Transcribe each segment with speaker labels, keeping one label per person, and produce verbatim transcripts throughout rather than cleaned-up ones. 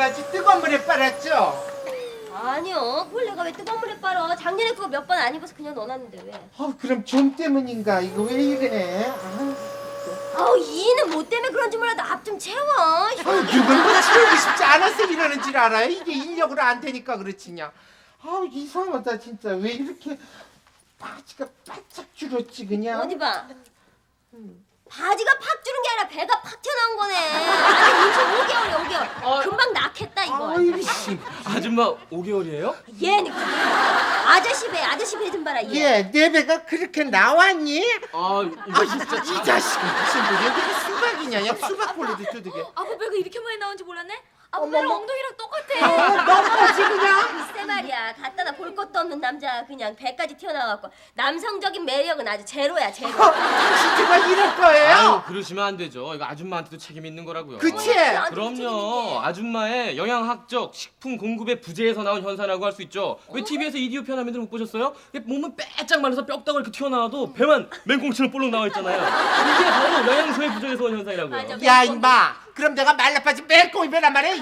Speaker 1: 아주 뜨거운 물에 빨았죠?
Speaker 2: 아니요. 그걸 내가 왜 뜨거운 물에 빨아? 작년에 그거 몇 번 안 입어서 그냥 넣어놨는데 왜?
Speaker 1: 아, 그럼 좀 때문인가? 이거 왜 이래? 아,
Speaker 2: 아우 이는 뭐 때문에 그런지 몰라도 앞 좀 채워.
Speaker 1: 아, 누군 뭐 채우고 싶지 않아서 이러는 줄 알아요? 이게 인력으로 안 되니까 그렇지냐? 아, 이상하다 진짜. 왜 이렇게 바지가 바짝 줄었지 그냥?
Speaker 2: 어디 봐. 바지가 팍 주는 게 아니라 배가 팍 튀어나온 거네. 아니 인생 오 개월이야 오 개월.
Speaker 3: 어.
Speaker 2: 금방 낳겠다 이거.
Speaker 1: 아이 씨.
Speaker 3: 아줌마 오 개월이에요?
Speaker 2: 얘는 아저씨 배 아저씨 배 좀 봐라 얘.
Speaker 1: 얘, 내 배가 그렇게 나왔니?
Speaker 3: 아 이거 진짜
Speaker 1: 이 자식은 무슨 뭐 여기가 수박이냐? 야 수박볼로도 두둑해.
Speaker 4: 아빠 배가 이렇게 많이 나온지 몰랐네? 아빠
Speaker 1: 어머머.
Speaker 4: 배랑 엉덩이랑 똑같아.
Speaker 1: 어, 너무하지 그냥?
Speaker 2: 글쎄 말이야 갖다다 볼 것도 없는 남자 그냥 배까지 튀어나와갖고 남성적인 매력은 아주 제로야 제로.
Speaker 1: 당신 정말 이럴
Speaker 3: 아유
Speaker 1: 거예요?
Speaker 3: 그러시면 안 되죠. 이거 아줌마한테도 책임 있는 거라고요.
Speaker 1: 그치?
Speaker 3: 그럼요. 아줌마의 영양학적 식품 공급의 부재에서 나온 현상이라고 할 수 있죠. 왜 티비에서 이디오 편화면들 못 보셨어요? 몸은 빼짝 말라서 뼈다가 이렇게 튀어나와도 배만 맹꽁치로 볼록 나와 있잖아요. 이게 바로 영양소의 부재에서 온 현상이라고요.
Speaker 2: 맞아.
Speaker 1: 야 임마, 그럼 내가 말라빠진 맹꽁이 배란 말이야?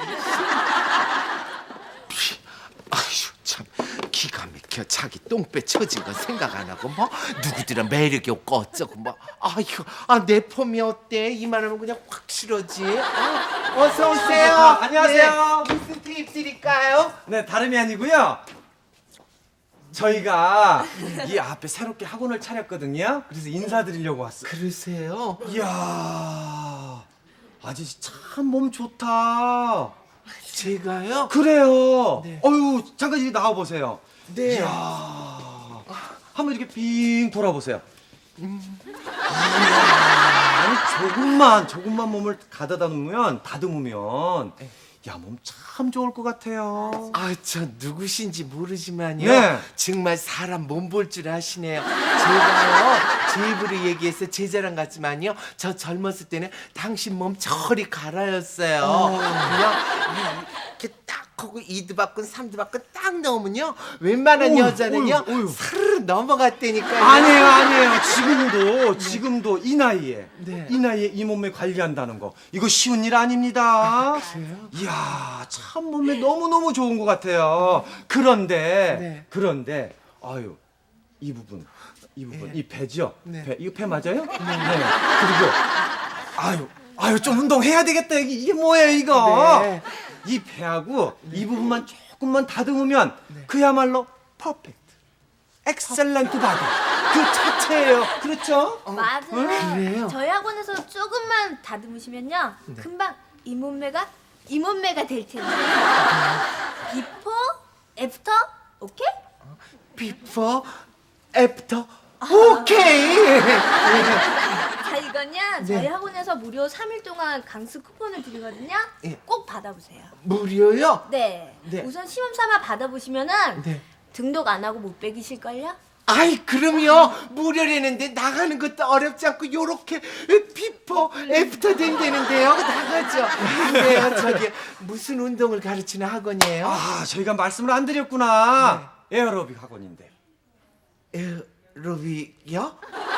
Speaker 1: 아휴 참 기가 막혀. 자기 똥배 처진 건 생각 안 하고 뭐 누구들은 매력이 없고 어쩌고 뭐. 아휴, 아, 내 폼이 어때? 이만하면 그냥 확 싫어지. 어, 어서 오세요.
Speaker 5: 안녕하세요.
Speaker 1: 네, 무슨 테이프 드릴까요?
Speaker 5: 네, 다름이 아니고요. 저희가 이 앞에 새롭게 학원을 차렸거든요. 그래서 인사드리려고 왔어요.
Speaker 1: 그러세요?
Speaker 5: 이야, 아저씨 참 몸 좋다.
Speaker 1: 제가요?
Speaker 5: 그래요.
Speaker 1: 네.
Speaker 5: 어유, 잠깐 이리 나와 보세요.
Speaker 1: 네.
Speaker 5: 이야, 한번 이렇게 빙 돌아보세요. 이야, 아니 조금만 조금만 몸을 가다다 놓으면 다듬으면 야, 몸 참 좋을 것 같아요.
Speaker 1: 아, 저 누구신지 모르지만요.
Speaker 5: 네.
Speaker 1: 정말 사람 몸 볼 줄 아시네요. 제가요, 제 입으로 얘기해서 제 자랑 같지만요. 저 젊었을 때는 당신 몸 저리 가라였어요. 그냥 이렇게 딱 하고 이두 바꾼 삼두 바꾼 딱 넣으면요. 웬만한
Speaker 5: 어휴,
Speaker 1: 여자는요.
Speaker 5: 어휴, 어휴.
Speaker 1: 사르르 넘어갔다니까요.
Speaker 5: 아니에요, 아니에요. 지금도 지금도 이 나이에
Speaker 1: 네.
Speaker 5: 이 나이에 이 몸매 관리한다는 거 이거 쉬운 일 아닙니다.
Speaker 1: 그래요?
Speaker 5: 이야, 참 몸매 너무 너무 좋은 것 같아요. 그런데
Speaker 1: 네.
Speaker 5: 그런데 아유 이 부분 이 부분
Speaker 1: 네.
Speaker 5: 이 배죠?
Speaker 1: 네.
Speaker 5: 배 이거 배 맞아요? 네. 그리고 아유 아유 좀 운동해야 되겠다. 이게 이게 뭐예요 이거?
Speaker 1: 네.
Speaker 5: 이 배하고 이 부분만 조금만 다듬으면 그야말로 퍼펙트, 엑셀런트 바디 그 자체예요. 그렇죠?
Speaker 4: 맞아.
Speaker 1: 그래요?
Speaker 4: 저희 학원에서 조금만 다듬으시면요. 금방 이 몸매가 이 몸매가 될 텐데. 비포, 애프터, 오케이?
Speaker 1: 비포, 애프터, 오케이.
Speaker 4: 자, 이건요. 저희 학원에서 무료 삼 일 동안 강습 쿠폰을 드리거든요.
Speaker 1: 예.
Speaker 4: 꼭 받아보세요.
Speaker 1: 무료요?
Speaker 4: 네.
Speaker 1: 네.
Speaker 4: 우선 시험 삼아 받아보시면은
Speaker 1: 네.
Speaker 4: 등록 안 하고 못 빼기실걸요?
Speaker 1: 아이, 그럼요. 무료라는데 나가는 것도 어렵지 않고 요렇게 비포 애프터 된다는데요. 나가죠. 근데요, 저기 무슨 운동을 가르치는 학원이에요?
Speaker 5: 아, 저희가 말씀을 안 드렸구나. 에어로빅 학원인데.
Speaker 1: 에어로빅이요?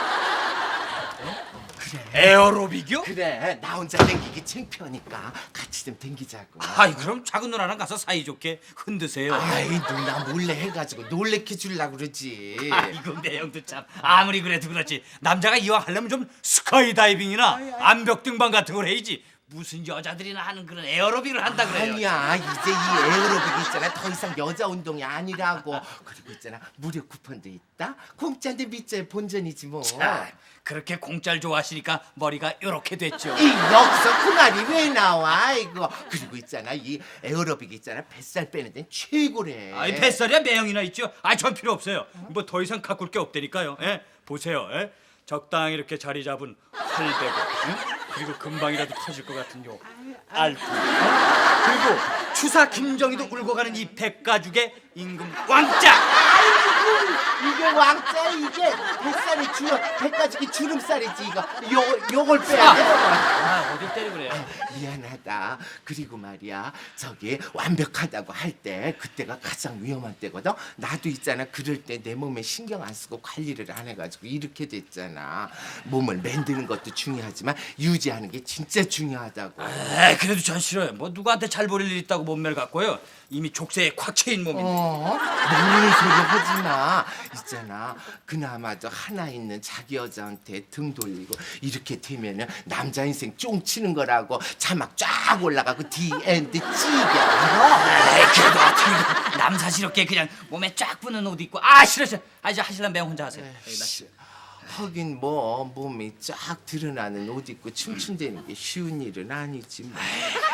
Speaker 6: 에어로빅이요?
Speaker 1: 그래, 나 혼자 댕기기 창피하니까 같이 좀 댕기자고.
Speaker 6: 아이 그럼 작은 누나랑 가서 사이좋게 흔드세요.
Speaker 1: 아이, 누나 몰래 해가지고 놀래켜 주려고 그러지.
Speaker 6: 아이고 내형도 참 아무리 그래도 그렇지 남자가 이왕 하려면 좀 스카이다이빙이나 암벽 등반 같은 걸 해야지. 무슨 여자들이나 하는 그런 에어로빅을 한다 그래요.
Speaker 1: 아니야, 이제 이 에어로빅 있잖아, 더 이상 여자 운동이 아니라고. 그리고 있잖아, 무료 쿠폰도 있다. 공짜인데 밑자에 본전이지 뭐.
Speaker 6: 아, 그렇게 공짜를 좋아하시니까 머리가 이렇게 됐죠.
Speaker 1: 이 여기서 그 말이 왜 나와 이거. 그리고 있잖아, 이 에어로빅 있잖아, 뱃살 빼는 데는 최고래.
Speaker 6: 아이 뱃살이야 매형이나 있죠. 아이 전 필요 없어요. 뭐 더 이상 가꿀 게 없다니까요. 예? 보세요. 예? 적당히 이렇게 자리 잡은 팔배고, 응? 그리고 금방이라도 터질 것 같은 요 알프, 어? 그리고 추사 김정희도 울고 가는 이 백가죽의 임금 왕자.
Speaker 1: 이게 왕자 이게 백살이 주름 백가지기 주름살이지 이거 요 요걸 빼야 돼.
Speaker 3: 아 어딜 때리고 그래.
Speaker 1: 미안하다. 그리고 말이야 저기 완벽하다고 할 때 그때가 가장 위험한 때거든. 나도 있잖아 그럴 때 내 몸에 신경 안 쓰고 관리를 안 해가지고 이렇게 됐잖아. 몸을 만드는 것도 중요하지만 유지하는 게 진짜 중요하다고.
Speaker 6: 에 그래도 전 싫어요. 뭐 누구한테 잘 보일 일 있다고 몸매를 갖고요. 이미 족쇄에 꽉 채인 몸인데.
Speaker 1: 어? 모르는 소리 하지 마. 있잖아. 그나마도 하나 있는 자기 여자한테 등 돌리고 이렇게 되면은 남자 인생 쫑치는 거라고 자막 쫙 올라가고 디엔드 찌게 알아?
Speaker 6: 에이 그래도 어떻게 남사스럽게 그냥 몸에 쫙 붙는 옷 입고 아 싫어 싫어. 아 이제 하실란 매형 혼자 하세요. 에이, 나 싫어.
Speaker 1: 하긴 뭐 몸이 쫙 드러나는 옷 입고 춤춘다는 게 쉬운 일은 아니지 뭐.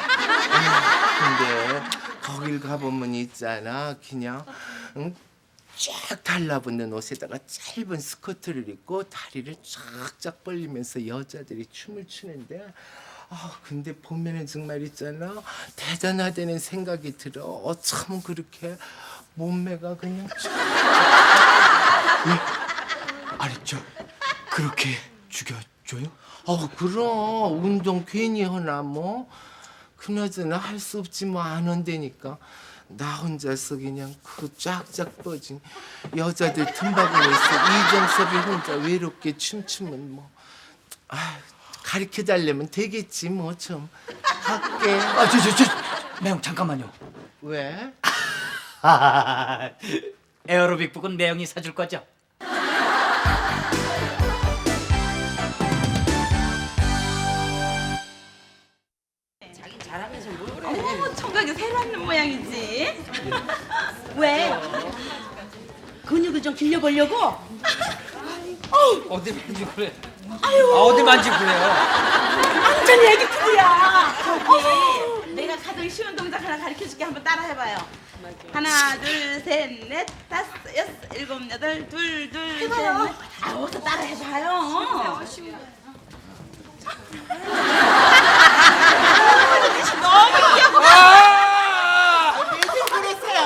Speaker 1: 근데 거길 가보면 있잖아 그냥 응? 쫙 달라붙는 옷에다가 짧은 스커트를 입고 다리를 쫙쫙 벌리면서 여자들이 춤을 추는데 아 근데 보면은 정말 있잖아 대단하다는 생각이 들어. 어쩜 그렇게 몸매가 그냥 쫙
Speaker 6: 아니 저 그렇게 죽여줘요?
Speaker 1: 어 그럼 운동 괜히 하나 뭐 그나저나 할 수 없지 뭐 안 한다니까. 나 혼자서 그냥 그 쫙쫙 뻗은 여자들 틈바구니에서 이정섭이 혼자 외롭게 춤추면 뭐 아, 가르쳐 달래면 되겠지 뭐 좀 할게.
Speaker 6: 아 저 저 저 매형 잠깐만요.
Speaker 1: 왜?
Speaker 6: 에어로빅 북은 매형이 사줄 거죠?
Speaker 7: 어머, 청각이 새로 왔는 모양이지. 왜? 근육을 좀 길려보려고?
Speaker 3: 어디 만지고 그래. 아 어디 만지고 그래요.
Speaker 7: 완전 애기 피부야. 저기 내가 가장 쉬운 동작 하나 가르쳐줄게. 한번 따라해봐요. 하나, 둘, 셋, 넷, 다섯, 여섯, 일곱, 여덟, 둘, 둘, 셋, 넷. 아, 어서 따라해봐요. 너무 귀여워.
Speaker 1: 왜들 그러세요?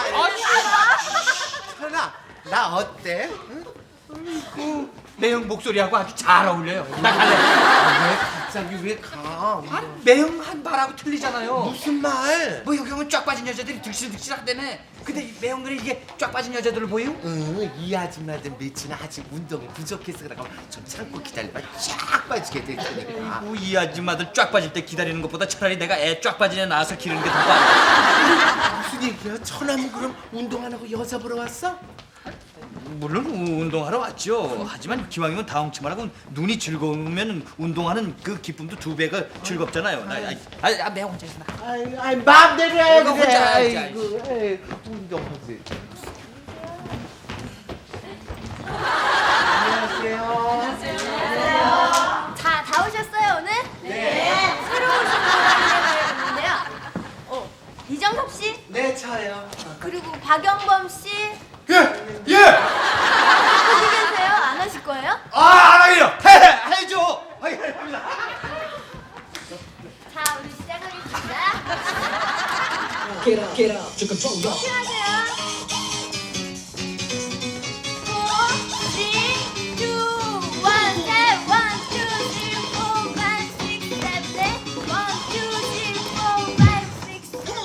Speaker 1: 현아 나 어때? 응?
Speaker 6: 매형 목소리하고 아주 잘 어울려요. 나 갈래.
Speaker 1: 아, 왜 갑자기 왜 가?
Speaker 6: 매형 한 말하고 틀리잖아요.
Speaker 1: 무슨 말?
Speaker 6: 뭐 여기 오면 쫙 빠진 여자들이 득실득실하다네. 근데 이 매형들이 이게 쫙 빠진 여자들을 보여?
Speaker 1: 응, 이 아줌마들 며칠 아직 운동이 부족해서 그런가 봐. 좀 참고 기다려봐. 쫙 빠지게 될 테니까.
Speaker 6: 아이고 이 아줌마들 쫙 빠질 때 기다리는 것보다 차라리 내가 애 쫙 빠진 애 낳아서 기르는 게 더 빠아.
Speaker 1: 무슨 얘기야? 천하면 그럼 운동 안 하고 여자 보러 왔어?
Speaker 6: 물론 우- 운동하러 왔죠. 하지만 기왕이면 다홍치마라고 눈이 즐거우면 운동하는 그 기쁨도 두 배가 즐겁잖아요. 나, 아, 아, 아 매형 혼자 있어. 나.
Speaker 1: 아이, 아이 마음대로 해.
Speaker 6: 이거
Speaker 1: 그래.
Speaker 6: 혼자 알지,
Speaker 1: 아이고, 에이, 운동하지. 안녕하세요.
Speaker 4: 자, 다 오셨어요 오늘? 네. 새로 오신 분을 안내해야겠는데요. 어, 이정섭 씨
Speaker 1: 네, 저요.
Speaker 4: 그리고 박영범 씨
Speaker 5: 예! 예!
Speaker 4: 거기 계세요? 안 하실 거예요?
Speaker 5: 아 알아요. 해 해줘. 아이 합니다.
Speaker 4: 자, 우리 시작하겠습니다. Get up, get up. 안녕하세요. Four, three, two, one, step. One, two, three, four, five, six, seven, eight. One, two, three, four, five, six,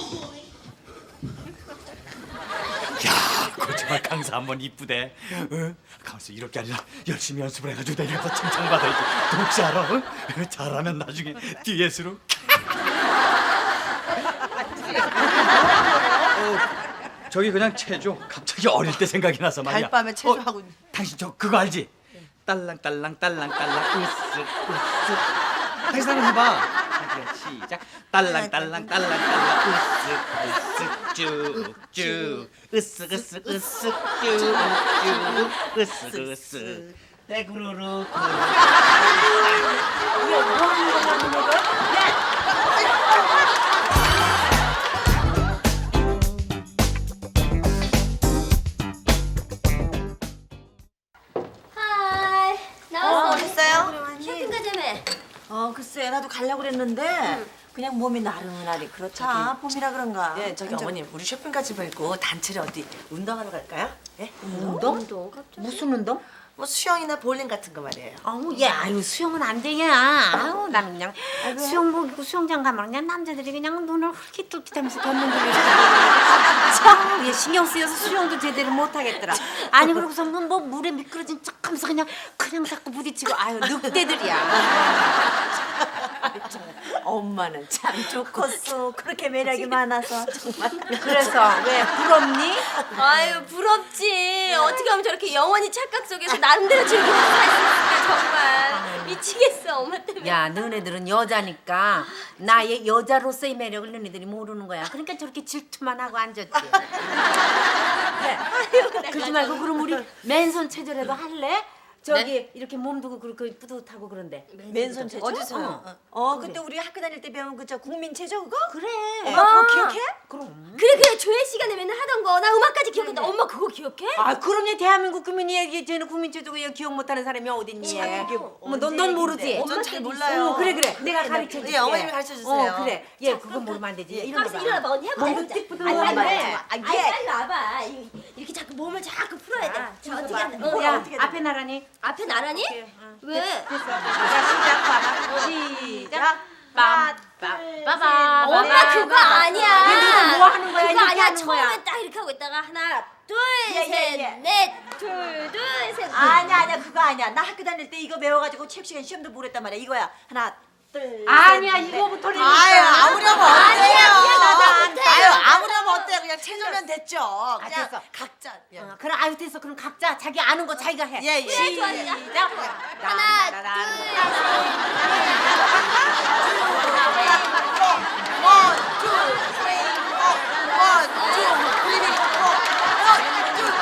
Speaker 4: seven.
Speaker 6: 야, 거짓말 강사 한번 이쁘대. 어? 가만있어 이렇게 아니라 열심히 연습을 해가지고 내려서 칭찬받아야지. 혹시 알아? 어? 잘하면 나중에 듀엣으로. 어, 저기 그냥 체조. 갑자기 어릴 때 생각이 나서 말이야.
Speaker 7: 달밤에 체조하고 있는.
Speaker 6: 당신 저 그거 알지? 딸랑 딸랑 딸랑 딸랑 으쓱 으쓱. 다시 한번 해봐. 그래, 시작. 딸랑 딸랑 딸랑 딸랑 으쓱 으쓱 쭉쭉 으쓱 으쓱 으쓱 쭉쭉 으쓱 으쓱 떼구르르
Speaker 2: 하이 나왔어.
Speaker 7: 어, 어딨어요?
Speaker 2: 쇼핑 가자며.
Speaker 7: 어, 글쎄, 나도 가려고 그랬는데
Speaker 8: 그냥 몸이 나른하니 그렇다. 봄이라 그런가.
Speaker 9: 네, 저기
Speaker 8: 완전-
Speaker 9: 어머님 우리 쇼핑까지 말고 단체로 어디 운동하러 갈까요? 예?
Speaker 8: 운동?
Speaker 2: 운동 갑자기.
Speaker 8: 무슨 운동?
Speaker 9: 뭐 수영이나 볼링 같은 거 말이에요.
Speaker 8: 아우 얘 아유 수영은 안 돼, 야. 아우 나는 그냥 수영복 입고 수영장 가면 그냥 남자들이 그냥 눈을 훌깃훌깃하면서 걷는 거예요. 참, 얘 신경 쓰여서 수영도 제대로 못 하겠더라. 아니 그러고서 뭐, 뭐 물에 미끄러진 척하면서 그냥 그냥 자꾸 부딪히고 아유 늑대들이야. 엄마는 참 좋겠어. 그렇게 매력이 많아서 정말. 그래서 왜 부럽니?
Speaker 2: 아유 부럽지. 어떻게 하면 저렇게 영원히 착각 속에서 나름대로 즐기면서 살 수 있을까 정말 미치겠어 엄마 때문에.
Speaker 8: 야, 너네들은 여자니까 나의 여자로서의 매력을 너네들이 모르는 거야. 그러니까 저렇게 질투만 하고 앉았지. 그래. 그러지 말고 그럼 우리 맨손 체조라도 할래? 저기 이렇게 몸 두고 그렇게 뿌듯하고 그런데.
Speaker 9: 맨손 체조?
Speaker 8: 어디서요?
Speaker 9: 어, 어 근데 우리 학교 다닐 때 배운 그 저 국민 체조 그거?
Speaker 8: 그래.
Speaker 9: 엄마 그거 기억해?
Speaker 8: 그럼.
Speaker 2: 그래 그래 조회 시간에 맨날 하던 거 나 음악까지 기억한다. 엄마 그거 기억해?
Speaker 8: 아, 그럼요. 대한민국 국민이 얘기 쟤는 국민 체조가 기억 못하는 사람이 어딨니? 어머, 넌, 넌 모르지?
Speaker 9: 전 잘 몰라요.
Speaker 8: 어, 그래 그래. 내가 가르쳐 줄게.
Speaker 9: 예, 어머님이 가르쳐 주세요.
Speaker 8: 어, 그래. 얘 그거 모르면 안 되지. 일어나
Speaker 2: 가만있어 일어나봐 언니 해봐.
Speaker 8: 몸도
Speaker 2: 해보자.
Speaker 8: 띡 뿌듯
Speaker 2: 아니 빨리
Speaker 8: 말이야.
Speaker 2: 와. 아니 빨리 와봐. 이- 이렇게 자꾸 몸을 자꾸 풀어야 돼. 저 어떻게 한다. 어,
Speaker 8: 야,
Speaker 2: 어떻게
Speaker 8: 앞에 나란히.
Speaker 2: 앞에 나란히? 왜?
Speaker 8: 됐어. 자, 시작 봐봐. 시작. 빰, 빰, 빠밤.
Speaker 2: 엄마 그거 아니야.
Speaker 8: 얘네들 뭐 하는 거야?
Speaker 2: 그거
Speaker 8: 이렇게
Speaker 2: 아니야.
Speaker 8: 하는
Speaker 2: 처음에
Speaker 8: 거야.
Speaker 2: 딱 이렇게 하고 있다가 하나, 둘,
Speaker 8: 예, 예,
Speaker 2: 셋,
Speaker 8: 예.
Speaker 2: 넷, 둘, 둘, 셋. 넷.
Speaker 9: 아니야 아니야 그거 아니야. 나 학교 다닐 때 이거 배워가지고 체육 시간 시험도 못 했단 말이야. 이거야. 하나 둘.
Speaker 8: 아니야, 이거부터는.
Speaker 9: 아유 아무렴 어때요?
Speaker 2: 아니야, 그냥 나도 못해.
Speaker 9: 아유 아무렴 어때요? 그냥 체조면 됐죠. 그냥
Speaker 8: 됐어.
Speaker 9: 각자.
Speaker 8: 어, 그럼 아유 됐어. 그럼 각자 자기 아는 거 자기가 해.
Speaker 9: 예, 예.
Speaker 2: 그래, 좋아, 좋아.
Speaker 8: 시작.
Speaker 2: 하나,
Speaker 8: 따라라라.
Speaker 9: 원, 투, 쓰리, 포. 원, 투, 쓰리, 포. 원, 투,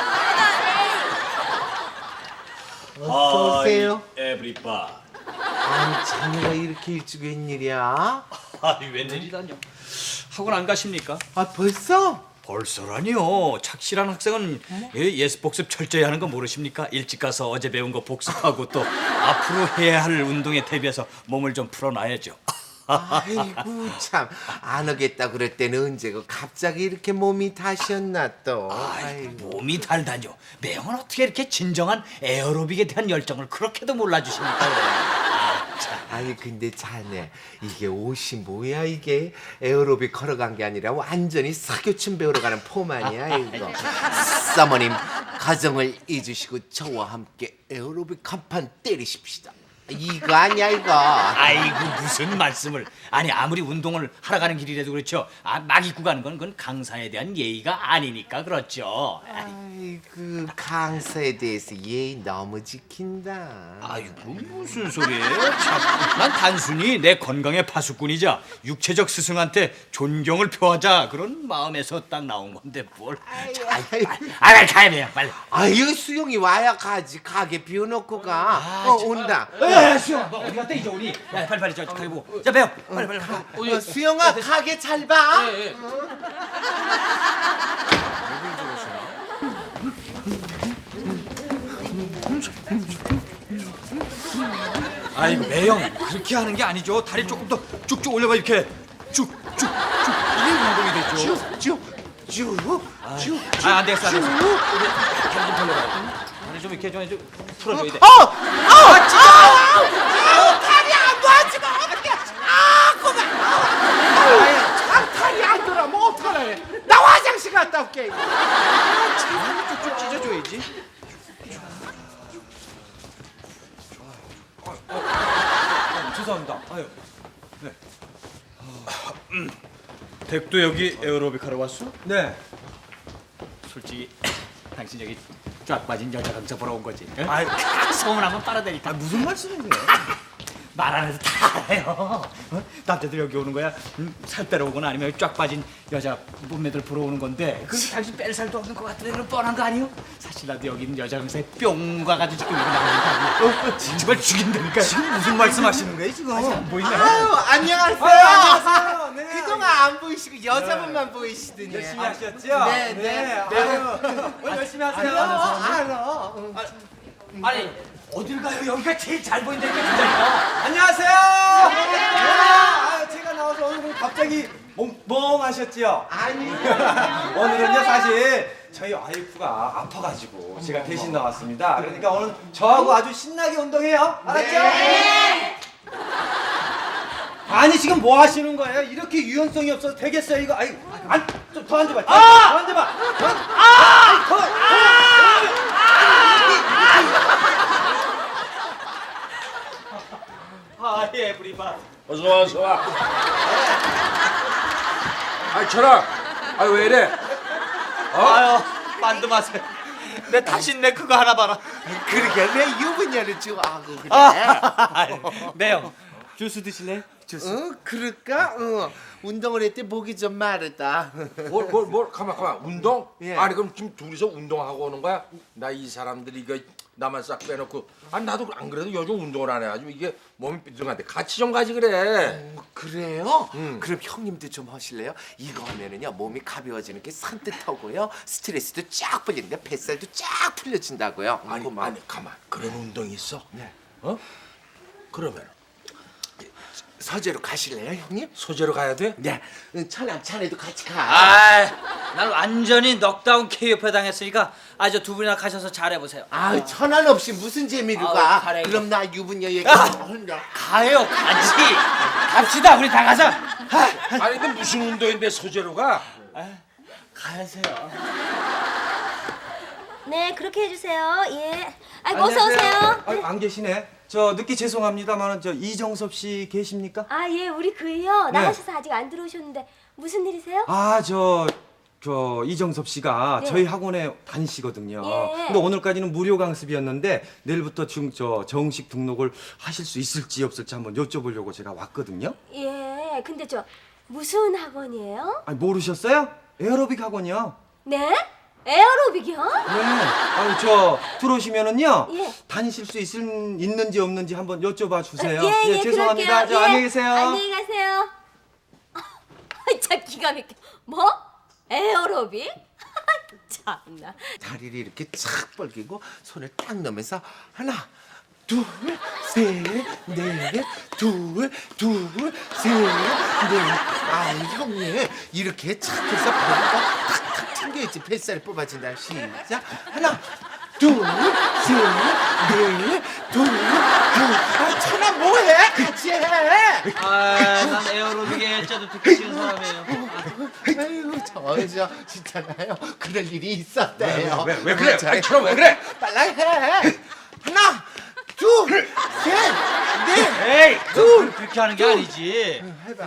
Speaker 9: 하나.
Speaker 1: 어서 오세요.
Speaker 10: 에브리바.
Speaker 1: 아니 자네가 이렇게 일찍 웬일이야?
Speaker 10: 아이 웬일이다뇨. 학원 안 가십니까?
Speaker 1: 아 벌써?
Speaker 10: 벌써라니요. 착실한 학생은 예, 예습 복습 철저히 하는 거 모르십니까? 일찍 가서 어제 배운 거 복습하고 또 앞으로 해야 할 운동에 대비해서 몸을 좀 풀어놔야죠.
Speaker 1: 아이고 참 안 오겠다 그럴 때는 언제고 갑자기 이렇게 몸이 다셨나 또. 아이고.
Speaker 10: 몸이 달다뇨. 매형은 어떻게 이렇게 진정한 에어로빅에 대한 열정을 그렇게도 몰라주십니까? 아, 참.
Speaker 1: 아니 근데 자네 이게 옷이 뭐야 이게 에어로빅 걸어간 게 아니라 완전히 사교춤 배우러 가는 폼 아니야 이거. 사모님 가정을 잊으시고 저와 함께 에어로빅 간판 때리십시다. 이거 아니야 이거.
Speaker 10: 아이고 무슨 말씀을. 아니 아무리 운동을 하러 가는 길이라도 그렇죠. 아, 막 입고 가는 건 그건 강사에 대한 예의가 아니니까 그렇죠.
Speaker 1: 아이고 강사에 대해서 예의 너무 지킨다.
Speaker 10: 아이고 무슨 소리예요? 참, 난 단순히 내 건강의 파수꾼이자 육체적 스승한테 존경을 표하자 그런 마음에서 딱 나온 건데 뭘.
Speaker 1: 아이고.
Speaker 10: 아 가야 돼요 빨리.
Speaker 1: 아유 수영이 와야 가지 가게 비워놓고 가. 어 온다.
Speaker 10: 야 수영 너 어디 갔다 이제 오니? 야 빨리 빨리 저 가게 보고. 자 배워 빨리 빨리. 빨리.
Speaker 1: 어, 수영아 가게 잘 봐.
Speaker 3: 예, 예.
Speaker 10: 아이고 매형 그렇게 하는 게 아니죠. 다리 조금 더 쭉쭉 올려봐 이렇게 쭉쭉쭉 이게 운동이 되죠.
Speaker 1: 쭉쭉쭉.
Speaker 10: 아, 안 되겠어, 안 되겠어. 다리 좀 돌려봐. 다리 좀 이렇게 좀, 좀 풀어줘야 돼.
Speaker 1: 어! 어! 아, 진짜! 아, 다리 안 놔지면 어떡해! 아, 그만! 아, 다리 안 돌아. 뭐 어떡하래? 나 화장실 갔다 올게.
Speaker 10: 쭉쭉 찢어줘야지. 어, 어, 어, 죄송합니다. 아유, 네. 음, 댁도 여기 에어로빅 하러 왔어?
Speaker 5: 네.
Speaker 10: 솔직히 당신 여기 쫙 빠진 여자 강사 보러 온 거지? 응?
Speaker 5: 아유,
Speaker 10: 소문하면 빨아대니까.
Speaker 5: 아, 무슨 말씀이세요?
Speaker 10: 말 안 해도 다 알아요. 어? 남자들 여기 오는 거야. 음, 살 빼러 오거나 아니면 쫙 빠진 여자 몸매들 보러 오는 건데 그게 당신 뺄 살도 없는 것 같은데 그럼 뻔한 거 아니요? 사실 나도 여기 있는 여자 강사에 뿅 가가지고 지금 이거 나오는 거 정말 죽인다니까.
Speaker 5: 지금 무슨 말씀하시는 거예요 지금?
Speaker 10: 안 보이네.
Speaker 1: 아유, 안녕하세요.
Speaker 5: 안녕하세요. 네.
Speaker 1: 그동안 안 보이시고 여자분만 보이시더니.
Speaker 5: 열심히 하셨죠?
Speaker 1: 네, 네.
Speaker 5: 아유, 오늘 열심히 하세요.
Speaker 1: 알아.
Speaker 10: 아니 어딜 가요? 여기가 제일 잘 보인다니까 진짜니까.
Speaker 5: 안녕하세요. 아, 제가 나와서 얼굴 왜 갑자기 멍, 멍하셨지요?
Speaker 1: 아니요.
Speaker 5: 오늘은요 사실 저희 와이프가 아파가지고 제가 대신 나왔습니다. 그러니까 오늘 저하고 아주 신나게 운동해요. 알았죠? 네. 아니 지금 뭐 하시는 거예요? 이렇게 유연성이 없어서 되겠어요 이거? 아이, 안, 좀 더 앉아봐. 더,
Speaker 10: 아!
Speaker 5: 더 앉아봐. 더, 아! 더,
Speaker 10: 아, 예, 브리바.
Speaker 11: 어서 와, 어서 와. 아이, 철아. 아이, 왜 이래?
Speaker 10: 아유, 만두 맛에. 내 다신내 그거 하나 봐라.
Speaker 1: 그러게 왜 유부녀를 좋아하고 그래?
Speaker 10: 아, 매요. 주스 드실래요? 주스.
Speaker 1: 어, 그럴까? 어, 운동을 했더니 목이 좀 마르다.
Speaker 11: 뭘, 뭘, 뭘, 가만, 가만. 운동?
Speaker 1: 예.
Speaker 11: 아니, 그럼 지금 둘이서 운동하고 오는 거야? 나 이 사람들이 이거 나만 싹 빼놓고. 아니, 나도 안 그래도 요즘 운동을 안 해가지고 이게 몸이 삐뚤한데 같이 좀 가지 그래.
Speaker 1: 어, 그래요?
Speaker 11: 음.
Speaker 1: 그럼 형님도 좀 하실래요? 이거 하면은요 몸이 가벼워지는 게 산뜻하고요 스트레스도 쫙 풀리는데 뱃살도 쫙 풀려진다고요.
Speaker 11: 아니,
Speaker 1: 그만.
Speaker 11: 아니, 가만. 그런 운동이 있어?
Speaker 1: 네.
Speaker 11: 어? 그러면
Speaker 1: 서재로 가실래요, 형님?
Speaker 11: 소재로 가야 돼?
Speaker 1: 네. 응, 천랑 자네도 같이 가.
Speaker 6: 아, 난 완전히 넉다운 케이오페 당했으니까 아주 두 분이나 가셔서 잘해보세요.
Speaker 1: 아, 천안 없이 무슨 재미로
Speaker 6: 아우,
Speaker 1: 가?
Speaker 6: 잘해.
Speaker 1: 그럼 나 유부녀 얘기
Speaker 6: 아!
Speaker 1: 혼자.
Speaker 6: 가요, 가지. 갑시다, 우리 다 가자.
Speaker 11: 아니, 근데 무슨 운동인데 소재로 가?
Speaker 6: 가세요.
Speaker 2: 네, 그렇게 해주세요. 예. 아이고 어서 오세요.
Speaker 5: 아, 안 계시네. 저 늦게 죄송합니다만 저 이정섭 씨 계십니까?
Speaker 2: 아, 예, 우리 그이요.
Speaker 5: 네.
Speaker 2: 나가셔서 아직 안 들어오셨는데 무슨 일이세요?
Speaker 5: 아, 저, 저 이정섭 씨가
Speaker 2: 네.
Speaker 5: 저희 학원에 다니시거든요.
Speaker 2: 예.
Speaker 5: 근데 오늘까지는 무료 강습이었는데 내일부터 지금 저 정식 등록을 하실 수 있을지 없을지 한번 여쭤보려고 제가 왔거든요.
Speaker 2: 예, 근데 저 무슨 학원이에요?
Speaker 5: 아니, 모르셨어요? 에어로빅 학원이요.
Speaker 2: 네? 에어로빅이요?
Speaker 5: 네. 아니, 저 들어오시면은요.
Speaker 2: 예.
Speaker 5: 다니실 수 있을, 있는지 없는지 한번 여쭤봐 주세요.
Speaker 2: 예, 예,
Speaker 5: 죄송합니다.
Speaker 2: 그럴게요.
Speaker 5: 저
Speaker 2: 예.
Speaker 5: 안녕히 계세요.
Speaker 2: 안녕히 가세요. 아, 참 기가 막혀. 뭐? 에어로빅? 참나.
Speaker 1: 다리를 이렇게 착 벌리고 손을 딱 넣으면서 하나, 둘, 셋, 넷, 둘, 둘, 셋, 넷. 아, 형님 이렇게 착 해서 배가 탁탁 튕겨야지 뱃살이 뽑아진다. 시작. 하나, 둘, 셋, 넷, 둘, 둘. 아, 천아 뭐해? 같이 해.
Speaker 6: 아, 난 에어로빅에 짜도 듣기 싫은 사람이에요.
Speaker 1: 아이고 저저 진짜나요? 그럴 일이 있었대요.
Speaker 11: 왜, 왜, 왜 그래? 아니, 철아, 왜 그래?
Speaker 1: 빨라 해. 하나, 둘, 셋, 넷.
Speaker 6: 에이, 둘 그렇게 하는 게 아니지.
Speaker 1: 해봐.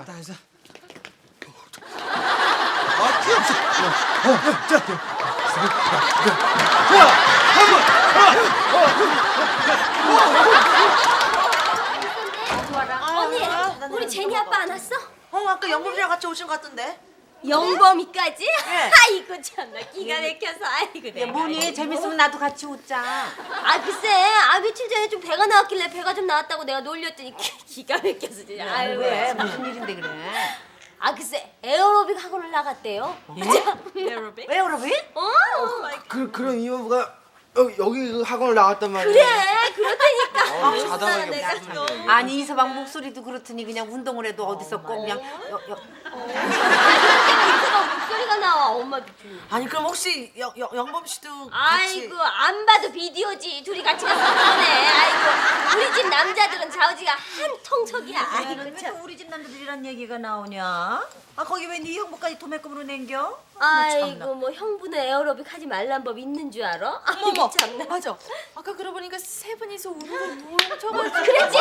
Speaker 2: 언니, 우리 제니 아빠 안 왔어?
Speaker 9: 어, 아까 영범이랑 같이 오신 것 같던데.
Speaker 2: 영범이까지?
Speaker 9: 네.
Speaker 2: 아이고 참나 기가 막혀서 아이고
Speaker 8: 야,
Speaker 2: 내가.
Speaker 8: 뭐니? 재밌으면 나도 같이 웃자.
Speaker 2: 아 글쎄 아 며칠 전에 좀 배가 나왔길래 배가 좀 나왔다고 내가 놀렸더니 기, 기가 막혀서 진짜 아유
Speaker 8: 왜?
Speaker 2: 참.
Speaker 8: 무슨 일인데 그래?
Speaker 2: 아 글쎄 에어로빅 학원을 나갔대요.
Speaker 9: 에어로빅?
Speaker 8: 왜 그러비?
Speaker 2: 어
Speaker 1: 그 그런 이유가 여기, 여기 학원을 나왔단 말이야.
Speaker 2: 그래 그렇다니까.
Speaker 1: 어, 자다가 이게
Speaker 2: 내가
Speaker 1: 무슨
Speaker 2: 또.
Speaker 1: 일이야.
Speaker 8: 아니 이서방 목소리도 그렇더니 그냥 운동을 해도 어디서 꼭 그냥 여, 여,
Speaker 2: 이서방 목소리가 나와 엄마도 좀.
Speaker 9: 아니 그럼 혹시 영, 영, 영범 씨도 같이?
Speaker 2: 아이고 안 봐도 비디오지 둘이 같이 가서 그러네. 아이고 우리 집 남자들은 자우지가 한 통속이야. 아이고 참.
Speaker 8: 우리 집 남자들이란 얘기가 나오냐? 아 거기 왜 네 형부까지 도매금으로 냉겨?
Speaker 2: 아이고 뭐 형부는 에어로빅 하지 말란 법 있는 줄 알아? 아이고 참나.
Speaker 4: 맞아. 아까 그러고 보니까 세 분이서 우르르 누워 저거.
Speaker 2: 그랬지?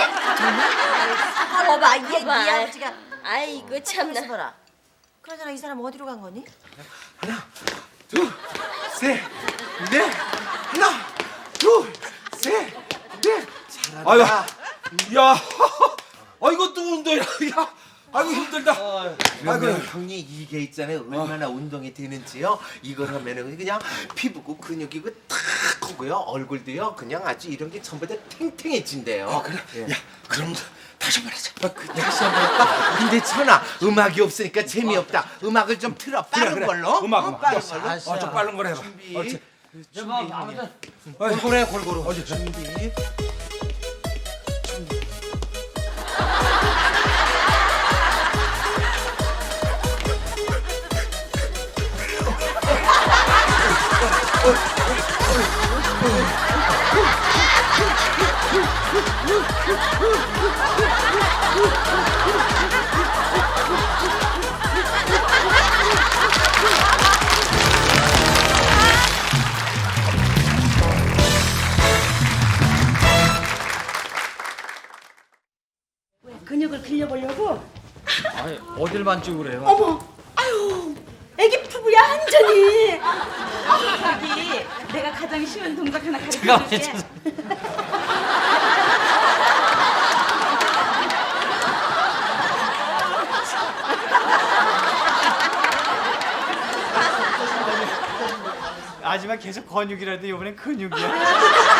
Speaker 8: 봐봐 얘,
Speaker 2: 봐봐.
Speaker 8: 네 아버지가
Speaker 2: 아이고 참나.
Speaker 8: 봐라. 그러잖아 이 사람 어디로 간 거니?
Speaker 1: 하나, 둘, 셋, 넷. 하나, 둘, 셋, 넷. 잘한다.
Speaker 11: 아유, 야, 아 이것도 운동이야. 야, 아이고 힘들다.
Speaker 1: 그러면 형님 이게 있잖아요. 얼마나 운동이 되는지요. 이걸 하면은 그냥 피부고 근육이고 탁 하고요. 얼굴도요. 그냥 아주 이런 게 전부 다 탱탱해진대요.
Speaker 11: 아 그래?
Speaker 1: 예.
Speaker 11: 야, 그럼 다시 한번 하자.
Speaker 1: 아, 그, 다시 한번 할까? 근데 천아 음악이 없으니까 재미없다. 음악을 좀 틀어 빠른
Speaker 11: 그래.
Speaker 1: 걸로.
Speaker 11: 음악,
Speaker 1: 어,
Speaker 11: 음악.
Speaker 1: 빠른
Speaker 11: 어,
Speaker 1: 걸로.
Speaker 11: 어, 좀 빠른 걸 해봐.
Speaker 1: 준비.
Speaker 11: 옳지.
Speaker 6: 여보, 아무튼
Speaker 11: 골고루 해, 골고루. 어디?
Speaker 1: 준비.
Speaker 7: 근육을 길려보려고?
Speaker 10: 아니, 어딜 만지고 그래요?
Speaker 7: 어머, 아유, 애기 피부야 완전히. 저기 내가 가장 쉬운 동작 하나
Speaker 10: 잠깐만요,
Speaker 7: 가르쳐줄게.
Speaker 10: 죄송- 하지만 계속 근육이라도 이번엔 근육이야.